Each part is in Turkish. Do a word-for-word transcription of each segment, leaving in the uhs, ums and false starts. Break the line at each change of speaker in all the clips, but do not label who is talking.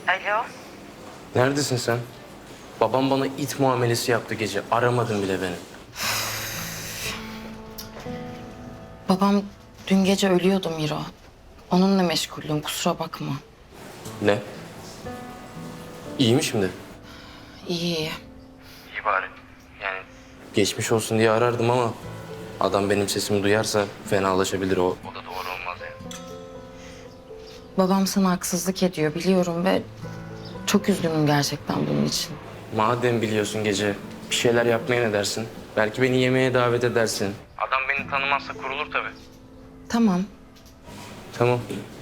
Alo.
Neredesin sen? Babam bana it muamelesi yaptı gece. Aramadın bile beni.
Babam dün gece ölüyordu Miro. Onunla meşguldüm, kusura bakma.
Ne? İyi mi şimdi?
İyi iyi.
İyi bari. Yani geçmiş olsun diye arardım ama adam benim sesimi duyarsa fenalaşabilir o. O da doğru olmaz yani.
Babam sana haksızlık ediyor biliyorum ve çok üzgünüm gerçekten bunun için.
Madem biliyorsun gece bir şeyler yapmaya ne dersin? Belki beni yemeğe davet edersin. Adam beni tanımazsa kurulur tabii.
Tamam.
Tamam.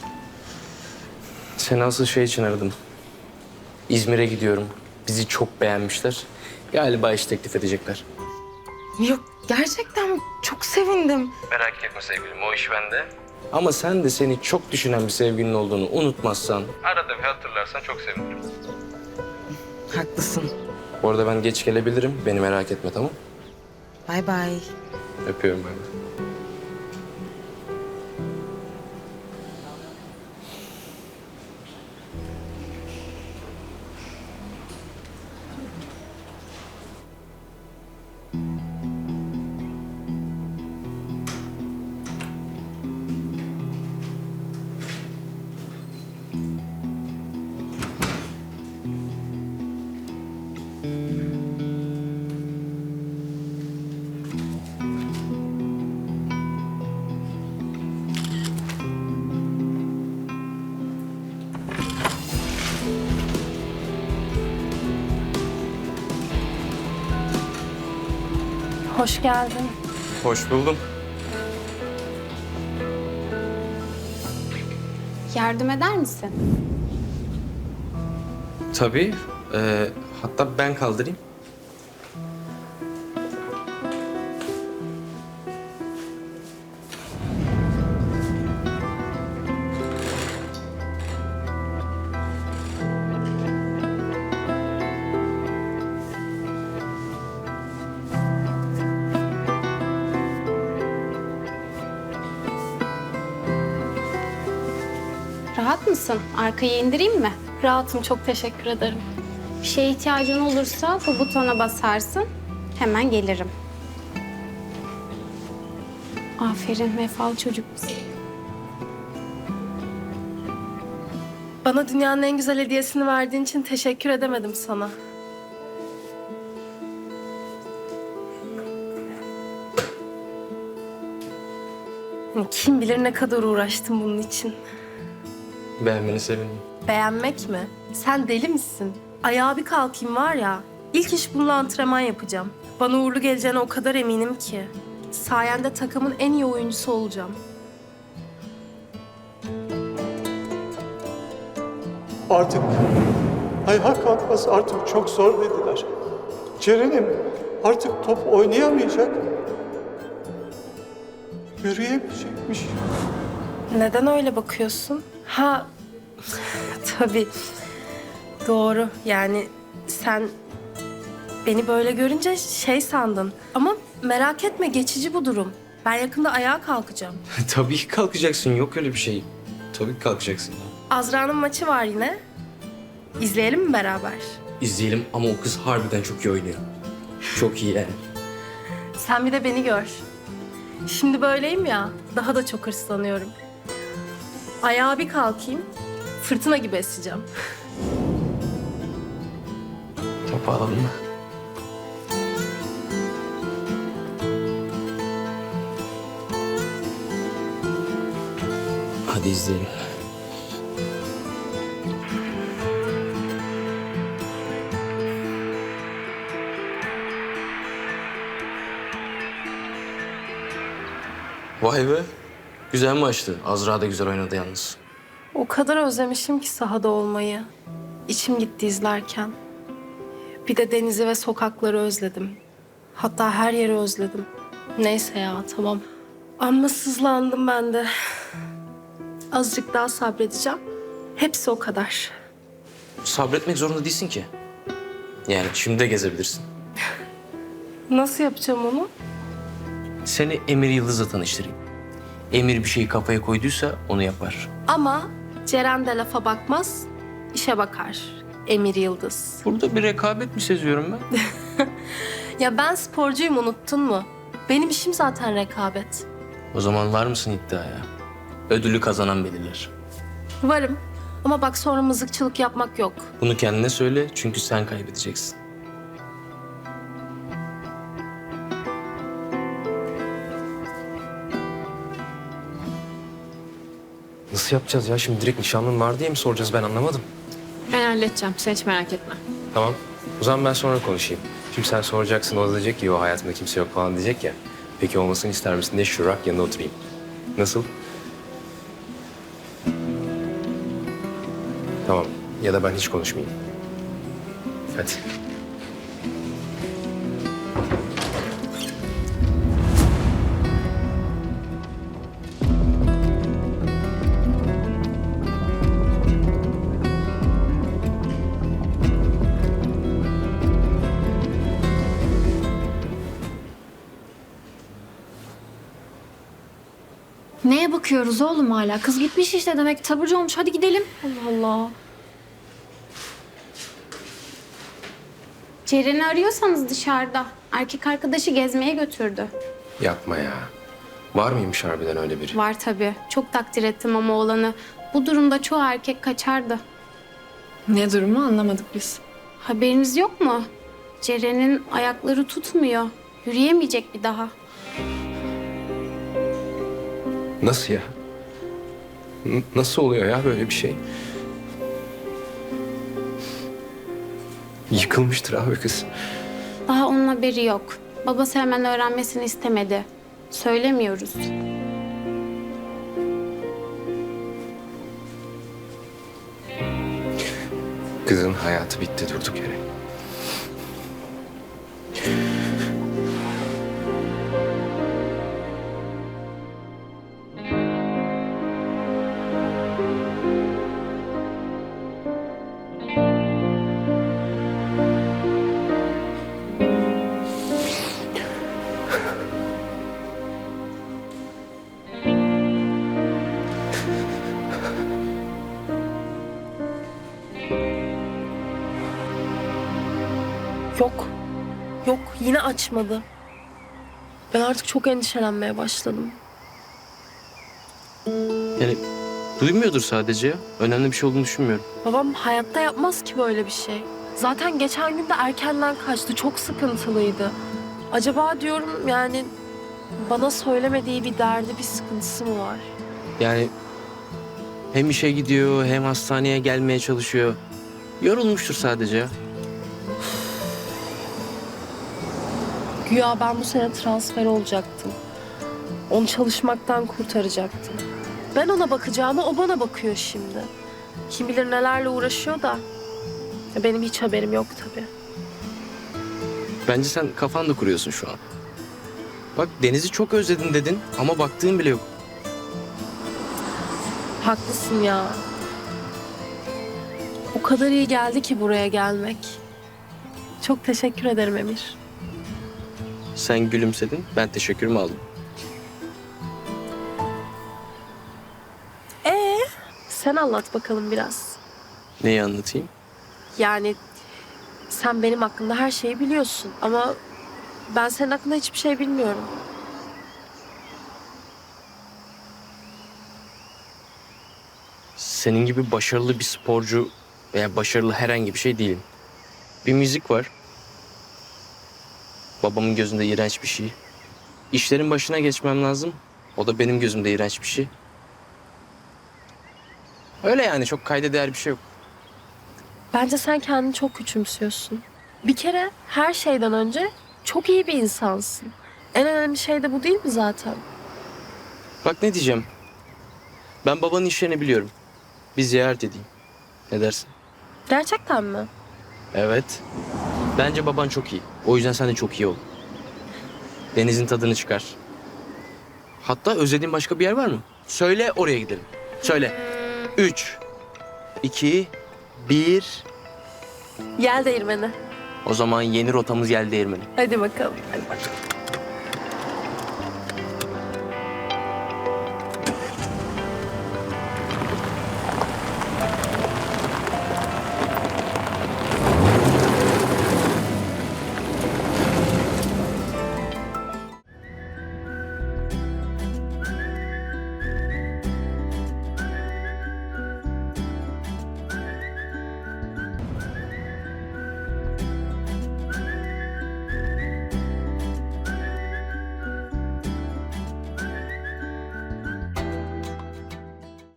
Seni asıl şey için aradım. İzmir'e gidiyorum. Bizi çok beğenmişler. Galiba iş teklif edecekler.
Yok gerçekten çok sevindim.
Merak etme sevgilim, o iş bende. Ama sen de seni çok düşünen bir sevgilin olduğunu unutmazsan... Arada bir hatırlarsan çok sevinirim.
Haklısın.
Bu arada ben geç gelebilirim. Beni merak etme, tamam?
Bay bay.
Öpüyorum ben.
Hoş geldin.
Hoş buldum.
Yardım eder misin?
Tabii. Ee, hatta ben kaldırayım.
Rahat mısın? Arkaya indireyim mi?
Rahatım, çok teşekkür ederim.
Bir şeye ihtiyacın olursa bu butona basarsın. Hemen gelirim. Aferin, vefalı çocuk musun?
Bana dünyanın en güzel hediyesini verdiğin için teşekkür edemedim sana. Yani kim bilir ne kadar uğraştım bunun için.
Beğenmeni sevindim.
Beğenmek mi? Sen deli misin? Ayağa bir kalkayım var ya, ilk iş bununla antrenman yapacağım. Bana uğurlu geleceğine o kadar eminim ki. Sayende takımın en iyi oyuncusu olacağım.
Artık ayağa kalkması artık çok zor dediler. Ceren'im artık top oynayamayacak. Yürüyemeyecekmiş.
Neden öyle bakıyorsun? Ha, tabii. Doğru. Yani sen beni böyle görünce şey sandın. Ama merak etme, geçici bu durum. Ben yakında ayağa kalkacağım.
Tabii ki kalkacaksın. Yok öyle bir şey. Tabii ki kalkacaksın.
Azra'nın maçı var yine. İzleyelim mi beraber?
İzleyelim ama o kız harbiden çok iyi oynuyor. Çok iyi yani.
Sen bir de beni gör. Şimdi böyleyim ya, daha da çok hırslanıyorum. Ayağa bir kalkayım, fırtına gibi eseceğim.
Topu alalım mı? Hadi izleyelim. Vay be. Güzel maçtı. Azra da güzel oynadı yalnız.
O kadar özlemişim ki sahada olmayı. İçim gitti izlerken. Bir de denizi ve sokakları özledim. Hatta her yeri özledim. Neyse ya, tamam. Amma sızlandım ben de. Azıcık daha sabredeceğim. Hepsi o kadar.
Sabretmek zorunda değilsin ki. Yani şimdi de gezebilirsin.
Nasıl yapacağım onu?
Seni Emir Yıldız'la tanıştırayım. Emir bir şeyi kafaya koyduysa onu yapar.
Ama Ceren de lafa bakmaz, işe bakar. Emir Yıldız.
Burada bir rekabet mi seziyorum ben?
Ya ben sporcuyum, unuttun mu? Benim işim zaten rekabet.
O zaman var mısın iddiaya? Ödülü kazanan belirler.
Varım ama bak sonra mızıkçılık yapmak yok.
Bunu kendine söyle çünkü sen kaybedeceksin.
Nasıl yapacağız ya? Şimdi direkt nişanlın var diye mi soracağız? Ben anlamadım.
Ben halledeceğim. Sen hiç merak etme.
Tamam. O zaman ben sonra konuşayım. Şimdi sen soracaksın, o da diyecek ki o hayatımda kimse yok falan diyecek ya. Peki olmasını ister misin diye şurak yanına oturayım. Nasıl? Tamam. Ya da ben hiç konuşmayayım. Hadi.
Neye bakıyoruz oğlum hala? Kız gitmiş işte demek taburcu olmuş. Hadi gidelim.
Allah Allah.
Ceren'i arıyorsanız dışarıda. Erkek arkadaşı gezmeye götürdü.
Yapma ya. Var mıymış harbiden öyle biri?
Var tabii. Çok takdir ettim ama oğlanı. Bu durumda çoğu erkek kaçardı.
Ne durumu anlamadık biz.
Haberiniz yok mu? Ceren'in ayakları tutmuyor. Yürüyemeyecek bir daha.
Nasıl ya? N- nasıl oluyor ya böyle bir şey? Yıkılmıştır abi kız.
Daha onun haberi yok. Babası hemen öğrenmesini istemedi. Söylemiyoruz.
Kızın hayatı bitti durduk yere.
Yok. Yok, yine açmadı. Ben artık çok endişelenmeye başladım.
Yani duymuyordur sadece ya. Önemli bir şey olduğunu düşünmüyorum.
Babam hayatta yapmaz ki böyle bir şey. Zaten geçen gün de erkenden kaçtı. Çok sıkıntılıydı. Acaba diyorum yani bana söylemediği bir derdi, bir sıkıntısı mı var?
Yani hem işe gidiyor hem hastaneye gelmeye çalışıyor. Yorulmuştur sadece ya.
Güya ben bu sene transfer olacaktım. Onu çalışmaktan kurtaracaktım. Ben ona bakacağıma o bana bakıyor şimdi. Kim bilir nelerle uğraşıyor da. Ya benim hiç haberim yok tabii.
Bence sen kafanda kuruyorsun şu an. Bak Deniz'i çok özledin dedin ama baktığın bile yok.
Haklısın ya. O kadar iyi geldi ki buraya gelmek. Çok teşekkür ederim Emir.
Sen gülümsedin, ben teşekkürümü aldım.
Ee, sen anlat bakalım biraz.
Neyi anlatayım?
Yani sen benim hakkında her şeyi biliyorsun ama ben senin hakkında hiçbir şey bilmiyorum.
Senin gibi başarılı bir sporcu veya başarılı herhangi bir şey değilim. Bir müzik var. Babamın gözünde iğrenç bir şey. İşlerin başına geçmem lazım. O da benim gözümde iğrenç bir şey. Öyle yani, çok kayda değer bir şey yok.
Bence sen kendini çok küçümsüyorsun. Bir kere her şeyden önce çok iyi bir insansın. En önemli şey de bu değil mi zaten?
Bak ne diyeceğim. Ben babanın işlerini biliyorum. Bir ziyaret edeyim. Ne dersin?
Gerçekten mi?
Evet. Bence baban çok iyi. O yüzden sen de çok iyi ol. Denizin tadını çıkar. Hatta özlediğin başka bir yer var mı? Söyle, oraya gidelim. Söyle. Üç, iki, bir.
Yel değirmeni.
O zaman yeni rotamız Yel Değirmeni.
Hadi bakalım. Hadi bakalım.